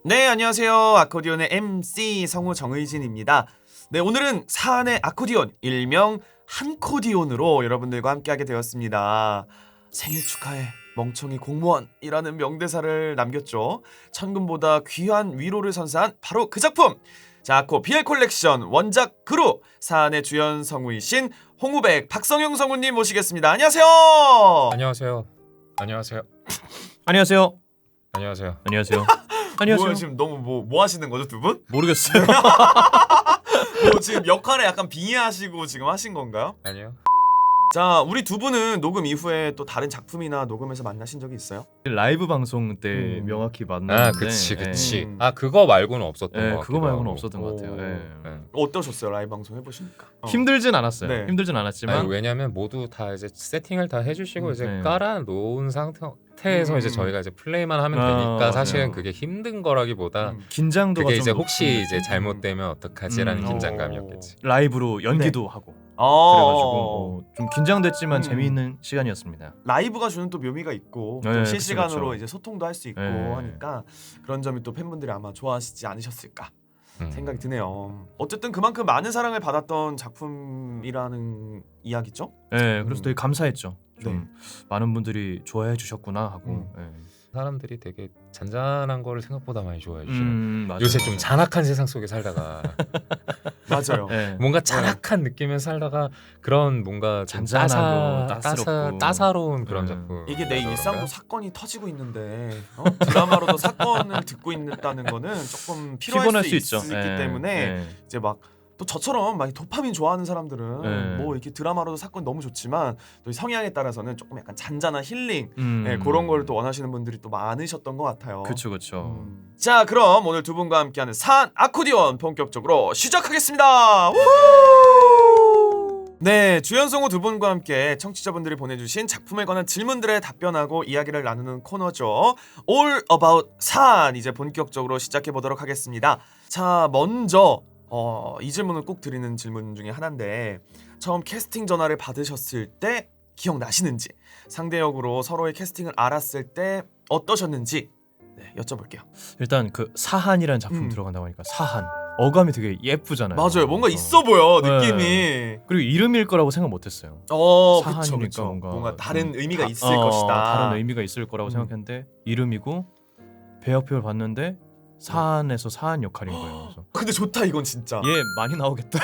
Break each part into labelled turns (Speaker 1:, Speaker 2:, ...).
Speaker 1: 네, 안녕하세요. 아코디언의 MC 성우 정의진입니다. 네, 오늘은 사안의 아코디언, 일명 한코디언으로 여러분들과 함께하게 되었습니다. 생일 축하해, 멍청이 공무원이라는 명대사를 남겼죠. 천금보다 귀한 위로를 선사한 바로 그 작품! 자, 아코 BL 콜렉션 원작 그룹 사안의 주연 성우이신 홍우백 박성용 성우님 모시겠습니다. 안녕하세요.
Speaker 2: 안녕하세요. 안녕하세요.
Speaker 3: 안녕하세요.
Speaker 2: 안녕하세요.
Speaker 3: 안녕하세요. 안녕하세요.
Speaker 1: 뭐야, 지금 너무 뭐 하시는 거죠, 두 분?
Speaker 3: 모르겠어요.
Speaker 1: 뭐 지금 역할에 약간 빙의하시고 지금 하신 건가요?
Speaker 2: 아니요.
Speaker 1: 자, 우리 두 분은 녹음 이후에 또 다른 작품이나 녹음에서 만나신 적이 있어요?
Speaker 3: 라이브 방송 때 명확히 만났는데.
Speaker 2: 아, 그치.
Speaker 1: 예.
Speaker 2: 아, 그거 말고는 없었던 것 같아요.
Speaker 3: 그거 말고는 없었던 것 같아요.
Speaker 1: 오.
Speaker 3: 예.
Speaker 1: 어떠셨어요? 라이브 방송 해보시니까?
Speaker 3: 힘들진 않았어요.
Speaker 1: 네.
Speaker 3: 힘들진 않았지만
Speaker 2: 아니, 왜냐면 모두 다 이제 세팅을 다 해주시고 이제
Speaker 3: 네.
Speaker 2: 깔아놓은 상태에서 이제 저희가 이제 플레이만 하면 되니까
Speaker 3: 맞아요.
Speaker 2: 사실은 그게 힘든 거라기보다
Speaker 3: 긴장도가
Speaker 2: 그게
Speaker 3: 좀
Speaker 2: 이제
Speaker 3: 높은
Speaker 2: 혹시
Speaker 3: 느낌?
Speaker 2: 이제 잘못되면 어떡하지라는
Speaker 3: 음.
Speaker 2: 긴장감이었겠지.
Speaker 3: 라이브로 연기도 하고
Speaker 1: 그래가지고
Speaker 3: 그래가지고 좀 긴장됐지만 재미있는 시간이었습니다.
Speaker 1: 라이브가 주는 또 묘미가 있고
Speaker 3: 네,
Speaker 1: 또
Speaker 3: 그쵸,
Speaker 1: 실시간으로
Speaker 3: 그쵸.
Speaker 1: 이제 소통도 할 수 있고
Speaker 3: 네.
Speaker 1: 하니까 그런 점이 또 팬분들이 아마 좋아하시지 않으셨을까
Speaker 2: 음.
Speaker 1: 생각이 드네요. 어쨌든 그만큼 많은 사랑을 받았던 작품이라는 이야기죠?
Speaker 3: 네, 그래서 되게 감사했죠. 좀
Speaker 1: 네.
Speaker 3: 많은 분들이 좋아해 주셨구나 하고.
Speaker 2: 사람들이 되게 잔잔한 거를 생각보다 많이 좋아해 주시는.
Speaker 3: 맞아요.
Speaker 2: 요새 좀 잔악한 세상 속에 살다가
Speaker 1: 맞아요.
Speaker 3: 네.
Speaker 2: 뭔가 잔악한 느낌에 살다가 그런 뭔가 좀
Speaker 3: 잔잔하고 따스럽고.
Speaker 2: 따사로운 그런 작품.
Speaker 1: 이게 내
Speaker 2: 그래서
Speaker 1: 일상도
Speaker 2: 그런가?
Speaker 1: 사건이 터지고 있는데 드라마로도 사건을 듣고 있다는 거는 조금
Speaker 3: 피곤할
Speaker 1: 수
Speaker 3: 수 있죠.
Speaker 1: 있기 때문에
Speaker 3: 네.
Speaker 1: 이제 막 또 저처럼 막 도파민 좋아하는 사람들은
Speaker 3: 네.
Speaker 1: 뭐 이렇게 드라마로도 사건 너무 좋지만 또 성향에 따라서는 조금 약간 잔잔한 힐링
Speaker 3: 네.
Speaker 1: 그런 걸 또 원하시는 분들이 또 많으셨던 것 같아요.
Speaker 3: 그쵸.
Speaker 1: 자, 그럼 오늘 두 분과 함께하는 사안 아코디언 본격적으로 시작하겠습니다. 우후! 네, 주연성우 두 분과 함께 청취자분들이 보내주신 작품에 관한 질문들에 답변하고 이야기를 나누는 코너죠. All About 사안 이제 본격적으로 시작해 보도록 하겠습니다. 자, 먼저 이 질문은 꼭 드리는 질문 중에 하나인데 처음 캐스팅 전화를 받으셨을 때 기억나시는지, 상대 역으로 서로의 캐스팅을 알았을 때 어떠셨는지 여쭤볼게요.
Speaker 3: 일단 그 사한이라는 작품 들어간다고 하니까 사한 어감이 되게 예쁘잖아요.
Speaker 1: 맞아요, 뭔가
Speaker 3: 그래서.
Speaker 1: 있어 보여
Speaker 3: 네.
Speaker 1: 느낌이.
Speaker 3: 그리고 이름일 거라고 생각 못했어요. 사한이니까
Speaker 1: 그쵸. 뭔가
Speaker 3: 좀
Speaker 1: 다른 의미가
Speaker 3: 다-
Speaker 1: 있을 것이다.
Speaker 3: 다른 의미가 있을 거라고 생각했는데 이름이고 배역표를 봤는데 사한에서 사한 역할인 거예요. 그래서
Speaker 1: 근데 좋다 이건 진짜.
Speaker 3: 얘 많이 나오겠다.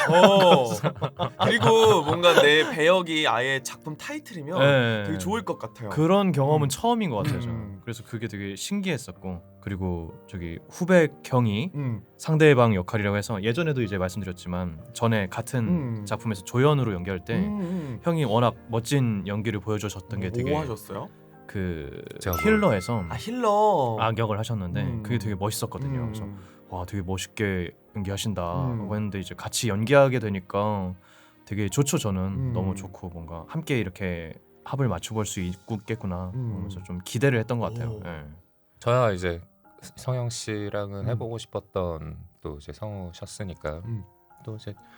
Speaker 1: 그리고 뭔가 내 배역이 아예 작품 타이틀이면
Speaker 3: 네.
Speaker 1: 되게 좋을 것 같아요.
Speaker 3: 그런 경험은 처음인 것 같아요.
Speaker 1: 음.
Speaker 3: 저는. 그래서 그게 되게 신기했었고, 그리고 저기 후백 형이
Speaker 1: 음.
Speaker 3: 상대방 역할이라고 해서 예전에도 이제 말씀드렸지만 전에 같은 작품에서 조연으로 연기할 때 형이 워낙 멋진 연기를 보여주셨던 게 되게
Speaker 1: 뭐 하셨어요?
Speaker 3: 그
Speaker 2: 제가
Speaker 3: 힐러에서
Speaker 1: 힐러.
Speaker 3: 악역을 하셨는데 그게 되게 멋있었거든요. 그래서
Speaker 1: 음.
Speaker 3: 와 되게 멋있게 연기하신다고
Speaker 1: 음.
Speaker 3: 했는데 이제 같이 연기하게 되니까 되게 좋죠. 저는 너무
Speaker 1: 음.
Speaker 3: 좋고 뭔가 함께 이렇게 합을 맞춰볼 수 있겠구나 그래서 좀 기대를 했던 것 같아요.
Speaker 1: 오.
Speaker 3: 예.
Speaker 2: 저야 이제 성영 씨랑은
Speaker 1: 음.
Speaker 2: 해보고 싶었던 또 이제 성우셨으니까 또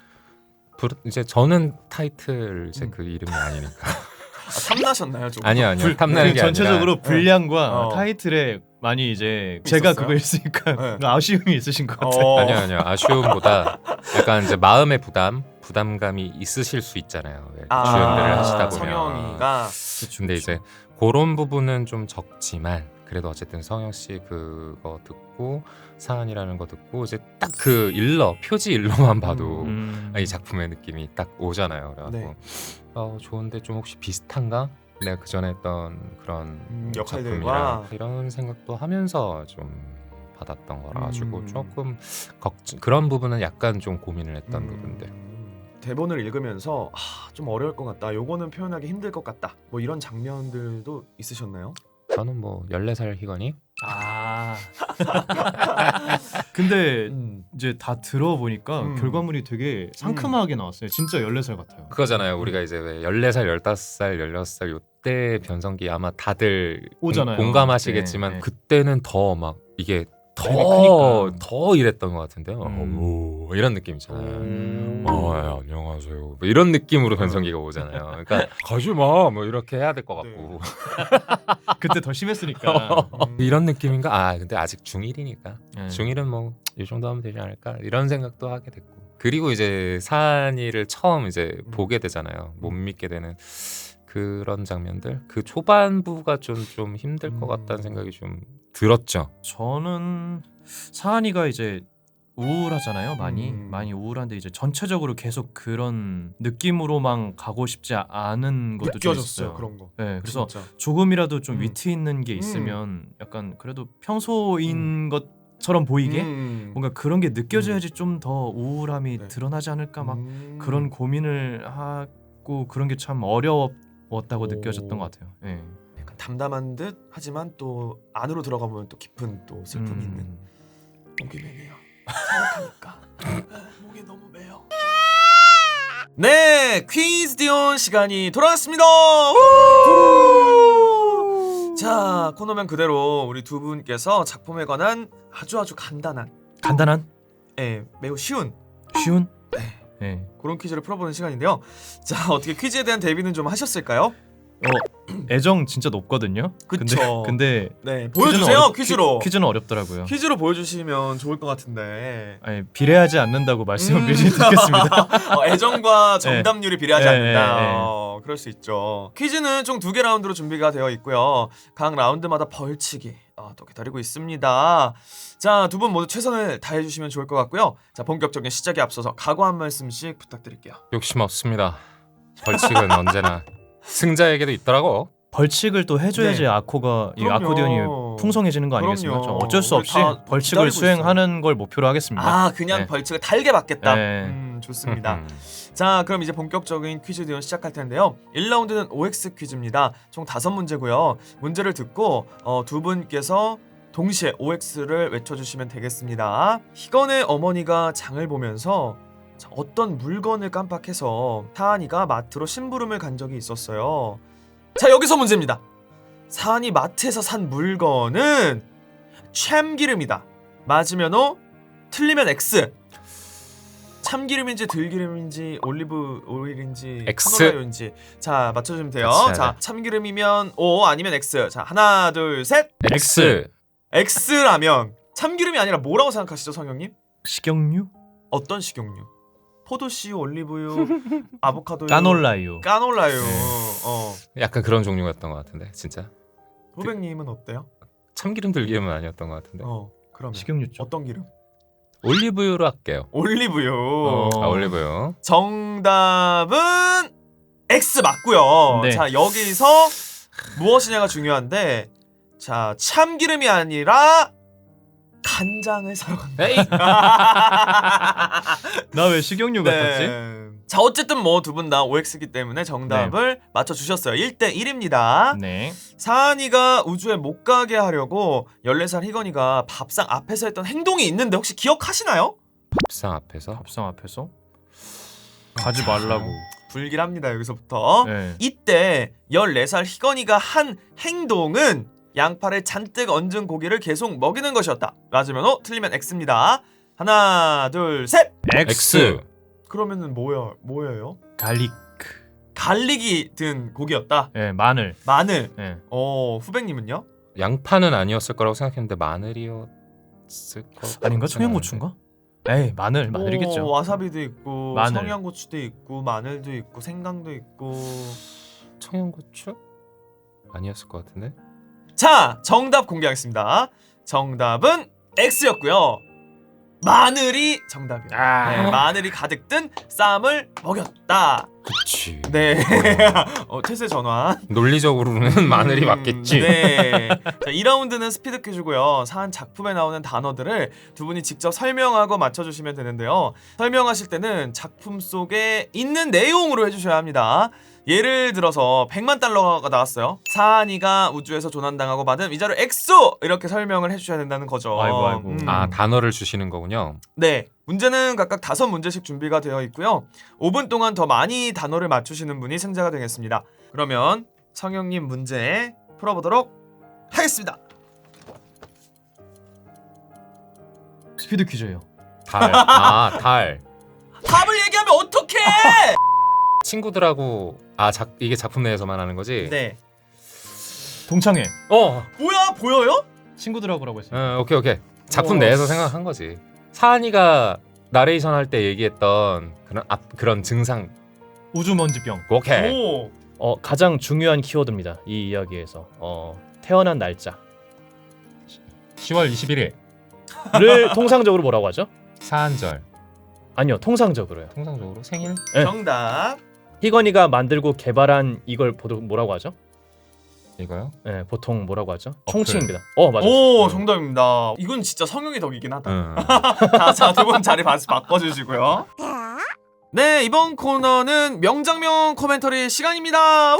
Speaker 2: 이제 저는 타이틀 이제 그 이름이 아니니까.
Speaker 1: 탐나셨나요 좀?
Speaker 2: 아니요 탐나는 게
Speaker 3: 전체적으로
Speaker 2: 아니라
Speaker 3: 분량과
Speaker 1: 어.
Speaker 3: 타이틀에 많이 이제 제가
Speaker 1: 있었어요?
Speaker 3: 그거 있으니까
Speaker 1: 네.
Speaker 3: 아쉬움이 있으신 것 같아요.
Speaker 2: 아니요 아쉬움보다 약간 이제 마음의 부담감이 있으실 수 있잖아요. 왜 주연들을 하시다 보면.
Speaker 1: 성영이가
Speaker 2: 근데 이제 그런 부분은 좀 적지만 그래도 어쨌든 성영 씨 그거 듣고 사안이라는 거 듣고 이제 딱 그 표지 일러만 봐도 이 작품의 느낌이 딱 오잖아요. 그래갖고
Speaker 1: 네.
Speaker 2: 좋은데 좀 혹시 비슷한가? 내가 그 전에 했던 그런
Speaker 1: 역할들과
Speaker 2: 작품이랑 이런 생각도 하면서 좀 받았던 거라 가지고 조금 그런 부분은 약간 좀 고민을 했던 부분들.
Speaker 1: 대본을 읽으면서 좀 어려울 것 같다, 요거는 표현하기 힘들 것 같다, 뭐 이런 장면들도 있으셨나요?
Speaker 2: 저는 뭐 14살 희건이
Speaker 3: 근데 이제 다 들어보니까 결과물이 되게 상큼하게 나왔어요. 진짜 14살 같아요.
Speaker 2: 그거잖아요. 우리가 이제 왜 14살, 15살, 16살 요때 변성기 아마 다들
Speaker 3: 오잖아요.
Speaker 2: 공감하시겠지만
Speaker 3: 네.
Speaker 2: 그때는 더 막 이게 더 이랬던 것 같은데요.
Speaker 3: 음.
Speaker 2: 오, 이런 느낌 있잖아요. 예, 안녕하세요. 뭐 이런 느낌으로 변성기가 오잖아요. 그러니까 가지 마, 뭐 이렇게 해야 될 것 같고.
Speaker 3: 그때 더 심했으니까.
Speaker 2: 이런 느낌인가? 아, 근데 아직 중1이니까.
Speaker 3: 네.
Speaker 2: 중1은 뭐 이 정도 하면 되지 않을까? 이런 생각도 하게 됐고. 그리고 이제 사안이를 처음 이제 보게 되잖아요. 못 믿게 되는 그런 장면들. 그 초반부가 좀 힘들 것 같다는 생각이 좀 들었죠.
Speaker 3: 저는 사한이가 이제 우울하잖아요. 많이
Speaker 1: 음.
Speaker 3: 많이 우울한데 이제 전체적으로 계속 그런 느낌으로만 가고 싶지 않은 것도 좀
Speaker 1: 느껴졌어요
Speaker 3: 있어요.
Speaker 1: 그런 거.
Speaker 3: 네, 그래서
Speaker 1: 진짜.
Speaker 3: 조금이라도 좀
Speaker 1: 음.
Speaker 3: 위트 있는 게 있으면 약간 그래도 평소인 것처럼 보이게 뭔가 그런 게 느껴져야지 좀 더 우울함이
Speaker 1: 네.
Speaker 3: 드러나지 않을까 막 그런 고민을 하고 그런 게 참 어려웠다고
Speaker 1: 오.
Speaker 3: 느껴졌던 것 같아요. 네.
Speaker 1: 약간 담담한 듯 하지만 또 안으로 들어가 보면 또 깊은 또 슬픔이 있는. 목이 메네요. 생각하니까 목이 너무 메요. 네, 퀴즈 디온 시간이 돌아왔습니다. 우! 자, 코너명 그대로 우리 두 분께서 작품에 관한 아주 간단한, 매우 쉬운
Speaker 3: 쉬운? 네.
Speaker 1: 그런 퀴즈를 풀어보는 시간인데요. 자, 어떻게 퀴즈에 대한 대비는 좀 하셨을까요?
Speaker 3: 애정 진짜 높거든요.
Speaker 1: 그쵸.
Speaker 3: 근데
Speaker 1: 네, 보여주세요. 퀴즈로.
Speaker 3: 퀴즈는 어렵더라고요.
Speaker 1: 퀴즈로 보여주시면 좋을 것 같은데.
Speaker 3: 아니, 비례하지 않는다고 말씀을 미리 드리겠습니다.
Speaker 1: 애정과 정답률이 비례하지
Speaker 3: 네,
Speaker 1: 않는다.
Speaker 3: 네.
Speaker 1: 그럴 수 있죠. 퀴즈는 총 2개 라운드로 준비가 되어 있고요. 각 라운드마다 벌칙이 또 기다리고 있습니다. 자, 두 분 모두 최선을 다해주시면 좋을 것 같고요. 자, 본격적인 시작에 앞서서 각오 한 말씀씩 부탁드릴게요.
Speaker 2: 욕심 없습니다. 벌칙은 언제나 승자에게도 있더라고.
Speaker 3: 벌칙을 또 해줘야지
Speaker 1: 네.
Speaker 3: 아코가 이
Speaker 1: 그럼요.
Speaker 3: 아코디언이 풍성해지는 거 아니겠습니까?
Speaker 1: 그럼요.
Speaker 3: 저 어쩔 수
Speaker 1: 우리
Speaker 3: 없이
Speaker 1: 다
Speaker 3: 벌칙을
Speaker 1: 기다리고
Speaker 3: 수행하는 걸 목표로 하겠습니다.
Speaker 1: 그냥
Speaker 3: 네.
Speaker 1: 벌칙을 달게 받겠다.
Speaker 3: 네.
Speaker 1: 좋습니다. 자, 그럼 이제 본격적인 퀴즈 디온 시작할 텐데요. 1라운드는 OX 퀴즈입니다. 총 5문제고요. 문제를 듣고 두 분께서 동시에 OX를 외쳐주시면 되겠습니다. 희건의 어머니가 장을 보면서 어떤 물건을 깜빡해서 사한이가 마트로 심부름을 간 적이 있었어요. 자, 여기서 문제입니다. 사한이 마트에서 산 물건은 참기름이다. 맞으면 O, 틀리면 X. 참기름인지 들기름인지 올리브 오일인지
Speaker 2: X.
Speaker 1: 카놀라유인지 자, 맞춰주시면 돼요.
Speaker 2: 같이 해야
Speaker 1: 자,
Speaker 2: 돼.
Speaker 1: 참기름이면 O 아니면 X. 자, 하나 둘 셋.
Speaker 2: X.
Speaker 1: X라면 참기름이 아니라 뭐라고 생각하시죠, 성형님?
Speaker 3: 식용유?
Speaker 1: 어떤 식용유? 포도씨유, 올리브유, 아보카도유,
Speaker 3: 까놀라유.
Speaker 1: 까놀라유.
Speaker 2: 네. 약간 그런 종류였던 것 같은데 진짜.
Speaker 1: 후배님은 어때요?
Speaker 2: 참기름 들기름은 아니었던 것 같은데.
Speaker 1: 그러면
Speaker 3: 식용유 쪽.
Speaker 1: 어떤 기름?
Speaker 2: 올리브유로 할게요.
Speaker 1: 올리브유.
Speaker 2: 올리브유.
Speaker 1: 정답은 X 맞고요.
Speaker 3: 네.
Speaker 1: 자, 여기서 무엇이냐가 중요한데, 자, 참기름이 아니라 간장을 사러 간다.
Speaker 2: 에이.
Speaker 3: 나 왜 식용유 같았지?
Speaker 1: 자, 어쨌든 뭐 두 분 다 OX이기 때문에 정답을 맞춰주셨어요. 1대1입니다.
Speaker 3: 네.
Speaker 1: 사한이가 우주에 못 가게 하려고 14살 희건이가 밥상 앞에서 했던 행동이 있는데 혹시 기억하시나요?
Speaker 2: 밥상 앞에서.
Speaker 3: 밥상 앞에서 가지 말라고.
Speaker 1: 불길합니다, 여기서부터.
Speaker 3: 네.
Speaker 1: 이때 14살 희건이가 한 행동은 양파를 잔뜩 얹은 고기를 계속 먹이는 것이었다. 맞으면 O, 틀리면 X입니다. 하나, 둘, 셋.
Speaker 2: X.
Speaker 1: 그러면은 뭐예요?
Speaker 3: 갈릭.
Speaker 1: 갈릭이 든 고기였다.
Speaker 3: 네, 마늘.
Speaker 1: 마늘.
Speaker 3: 네.
Speaker 1: 후배님은요?
Speaker 2: 양파는 아니었을 거라고 생각했는데 마늘이었을 거.
Speaker 3: 아닌가? 청양고추인가? 에이, 마늘이겠죠.
Speaker 1: 와사비도 있고,
Speaker 3: 마늘.
Speaker 1: 청양고추도 있고, 마늘도 있고, 생강도 있고.
Speaker 2: 청양고추? 아니었을 것 같은데.
Speaker 1: 자, 정답 공개하겠습니다. 정답은 X였고요. 마늘이 정답이에요. 네, 마늘이 가득 든 쌈을 먹였다.
Speaker 2: 그치.
Speaker 1: 네. 태세 전환.
Speaker 2: 논리적으로는 마늘이 맞겠지.
Speaker 1: 네. 자, 2라운드는 스피드 퀴즈고요. 사한 작품에 나오는 단어들을 두 분이 직접 설명하고 맞춰주시면 되는데요. 설명하실 때는 작품 속에 있는 내용으로 해주셔야 합니다. 예를 들어서 100만 달러가 나왔어요. 사한이가 우주에서 조난당하고 받은 위자료 엑소! 이렇게 설명을 해주셔야 된다는 거죠.
Speaker 3: 아이고.
Speaker 2: 아, 단어를 주시는 거군요.
Speaker 1: 네, 문제는 각각 5문제씩 준비가 되어 있고요. 5분 동안 더 많이 단어를 맞추시는 분이 승자가 되겠습니다. 그러면 성형님 문제 풀어보도록 하겠습니다.
Speaker 3: 스피드 퀴즈예요.
Speaker 2: 달. 아, 달.
Speaker 1: 답을 얘기하면 어떡해?
Speaker 2: 친구들하고 이게 작품 내에서만 하는 거지?
Speaker 1: 네.
Speaker 3: 동창회.
Speaker 1: 뭐야 보여요?
Speaker 3: 친구들하고라고 했어요.
Speaker 2: 오케이. 작품
Speaker 1: 우와.
Speaker 2: 내에서 생각한 거지. 사한이가 나레이션 할 때 얘기했던 그런 증상.
Speaker 3: 우주먼지병.
Speaker 2: 오케이.
Speaker 1: 오.
Speaker 3: 가장 중요한 키워드입니다. 이 이야기에서 태어난 날짜.
Speaker 2: 10월 21일.
Speaker 3: 를 통상적으로 뭐라고 하죠?
Speaker 2: 사한절.
Speaker 3: 아니요, 통상적으로요.
Speaker 2: 통상적으로 생일?
Speaker 3: 네.
Speaker 1: 정답.
Speaker 3: 희건이가 만들고 개발한 이걸 뭐라고 하죠?
Speaker 2: 이거요?
Speaker 3: 네, 보통 뭐라고 하죠?
Speaker 2: 어플.
Speaker 3: 총칭입니다. 맞아요.
Speaker 1: 오 정답입니다. 이건 진짜 성형의 덕이긴 하다.
Speaker 2: 응.
Speaker 1: 자, 두 분 자리 바꿔주시고요. 네, 이번 코너는 명장면 코멘터리 시간입니다.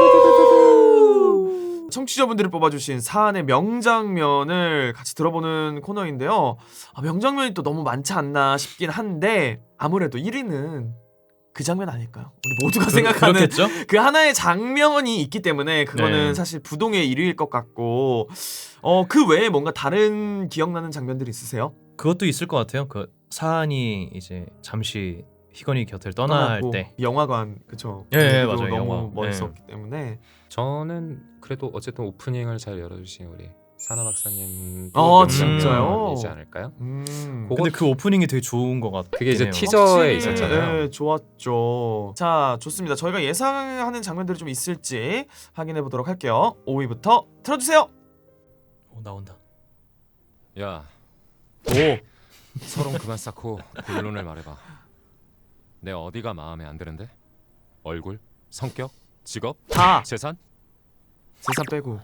Speaker 1: 우! 청취자분들이 뽑아주신 사안의 명장면을 같이 들어보는 코너인데요. 명장면이 또 너무 많지 않나 싶긴 한데 아무래도 1위는 그 장면 아닐까요? 우리 모두가 생각하는
Speaker 3: 그렇겠죠?
Speaker 1: 그 하나의 장면이 있기 때문에 그거는
Speaker 3: 네.
Speaker 1: 사실 부동의 1위일 것 같고 그 외에 뭔가 다른 기억나는 장면들이 있으세요?
Speaker 3: 그것도 있을 것 같아요. 그 사안이 이제 잠시 희건이 곁을 떠날
Speaker 1: 떠나고
Speaker 3: 때.
Speaker 1: 영화관 그쵸?
Speaker 3: 예,
Speaker 1: 분위기도
Speaker 3: 맞아요.
Speaker 1: 너무
Speaker 3: 영화.
Speaker 1: 멋있었기 때문에
Speaker 2: 저는 그래도 어쨌든 오프닝을 잘 열어주신 우리 사나 박사님
Speaker 1: 진짜요?
Speaker 2: 이지 않을까요?
Speaker 3: 근데 그 오프닝이 되게 좋은 것 같아요.
Speaker 2: 그게 이제 티저에 있었잖아요.
Speaker 1: 네, 좋았죠. 자, 좋습니다. 저희가 예상하는 장면들이 좀 있을지 확인해 보도록 할게요. 5위부터 틀어주세요.
Speaker 3: 나온다.
Speaker 2: 야,
Speaker 1: 오,
Speaker 2: 서론 그만 쌓고 본론을 말해봐. 내 어디가 마음에 안 드는데? 얼굴, 성격, 직업,
Speaker 1: 다
Speaker 2: 재산?
Speaker 1: 재산 빼고.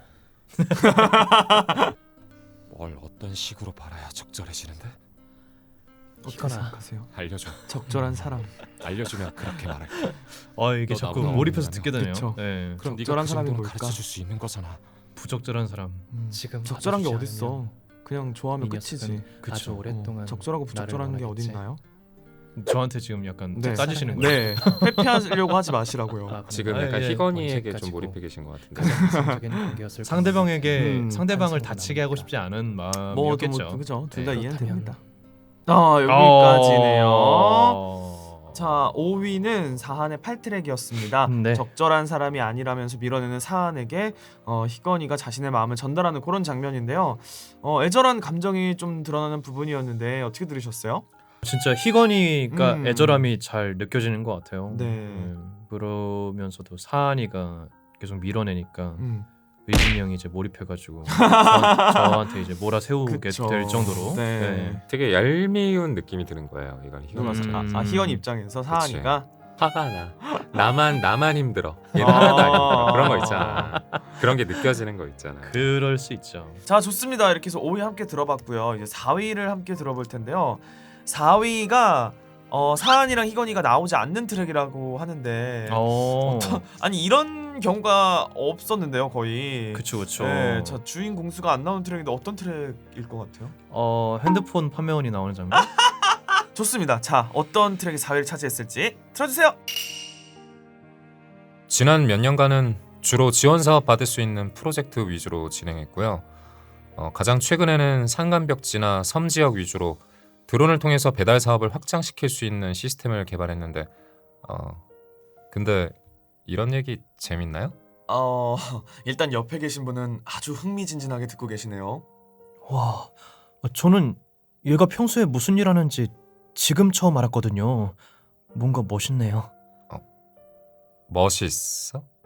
Speaker 2: 뭘 어떤 식으로 바라야 적절해지는데?
Speaker 1: 어떻게
Speaker 3: 희건아.
Speaker 1: 생각하세요?
Speaker 2: 알려줘.
Speaker 1: 적절한 사람.
Speaker 2: 알려주면 그렇게 말할게.
Speaker 3: 이게
Speaker 2: 너
Speaker 3: 자꾸
Speaker 2: 나보다
Speaker 3: 몰입해서
Speaker 2: 어리다며.
Speaker 3: 듣게 되네요.
Speaker 1: 그쵸.
Speaker 3: 네.
Speaker 2: 그럼 네가
Speaker 1: 적절한
Speaker 2: 그
Speaker 1: 사람이
Speaker 2: 정도는
Speaker 1: 뭘까?
Speaker 2: 가르쳐줄 수 있는 거잖아.
Speaker 3: 부적절한 사람.
Speaker 4: 지금
Speaker 1: 적절한 게
Speaker 4: 봐주지
Speaker 1: 어딨어? 그냥 좋아하면
Speaker 4: 이
Speaker 1: 끝이지.
Speaker 4: 녀석은
Speaker 3: 그쵸.
Speaker 4: 아주 오랫동안
Speaker 1: 적절하고 부적절한 게
Speaker 4: 원하겠지.
Speaker 1: 어딨나요?
Speaker 3: 저한테 지금 약간
Speaker 1: 네.
Speaker 3: 따지시는 거예요.
Speaker 1: 네, 회피하려고 하지 마시라고요.
Speaker 2: 지금
Speaker 3: 아,
Speaker 2: 약간
Speaker 3: 예,
Speaker 2: 희건이에게
Speaker 4: 언제까지고.
Speaker 2: 좀 몰입해 계신 것 같은데.
Speaker 4: 가장 이상적인 관계였을
Speaker 3: 상대방에게
Speaker 1: 음.
Speaker 3: 상대방을
Speaker 4: 한숨으로
Speaker 3: 다치게 하고
Speaker 4: 남으니까.
Speaker 3: 싶지 않은
Speaker 1: 뭐
Speaker 3: 마음이었겠죠.
Speaker 1: 그죠? 둘 다
Speaker 3: 네.
Speaker 1: 이해는
Speaker 4: 그렇다면-
Speaker 1: 됩니다. 여기까지네요. 자, 5위는 사한의 8트랙이었습니다.
Speaker 3: 네.
Speaker 1: 적절한 사람이 아니라면서 밀어내는 사한에게 희건이가 자신의 마음을 전달하는 그런 장면인데요. 애절한 감정이 좀 드러나는 부분이었는데 어떻게 들으셨어요?
Speaker 3: 진짜 희건이가
Speaker 1: 음.
Speaker 3: 애절함이 잘 느껴지는 것 같아요.
Speaker 1: 네.
Speaker 3: 그러면서도 사한이가 계속 밀어내니까
Speaker 1: 음.
Speaker 3: 의진이 형이 이제 몰입해가지고 저한테 이제 몰아세우게
Speaker 1: 그쵸.
Speaker 3: 될 정도로.
Speaker 1: 네.
Speaker 2: 되게 얄미운 느낌이 드는 거예요. 이건 희건
Speaker 1: 희건 입장에서 사한이가
Speaker 2: 화가 나. 나만 힘들어. 얘는 하나도 안 힘들어. 그런 거 있잖아. 그런 게 느껴지는 거 있잖아.
Speaker 3: 그럴 수 있죠.
Speaker 1: 자, 좋습니다. 이렇게 해서 5위 함께 들어봤고요. 이제 4위를 함께 들어볼 텐데요. 4위가 사한이랑 희건이가 나오지 않는 트랙이라고 하는데 아니 이런 경우가 없었는데요, 거의.
Speaker 3: 그쵸.
Speaker 1: 네, 자, 주인 공수가 안 나오는 트랙인데 어떤 트랙일 것 같아요?
Speaker 3: 핸드폰 판매원이 나오는 장면.
Speaker 1: 좋습니다. 자, 어떤 트랙이 4위를 차지했을지 틀어주세요.
Speaker 2: 지난 몇 년간은 주로 지원 사업 받을 수 있는 프로젝트 위주로 진행했고요. 가장 최근에는 산간벽지나 섬 지역 위주로 드론을 통해서 배달 사업을 확장시킬 수 있는 시스템을 개발했는데 근데 이런 얘기 재밌나요?
Speaker 1: 일단 옆에 계신 분은 아주 흥미진진하게 듣고 계시네요.
Speaker 3: 와, 저는 얘가 평소에 무슨 일 하는지 지금 처음 알았거든요. 뭔가 멋있네요.
Speaker 2: 멋있어?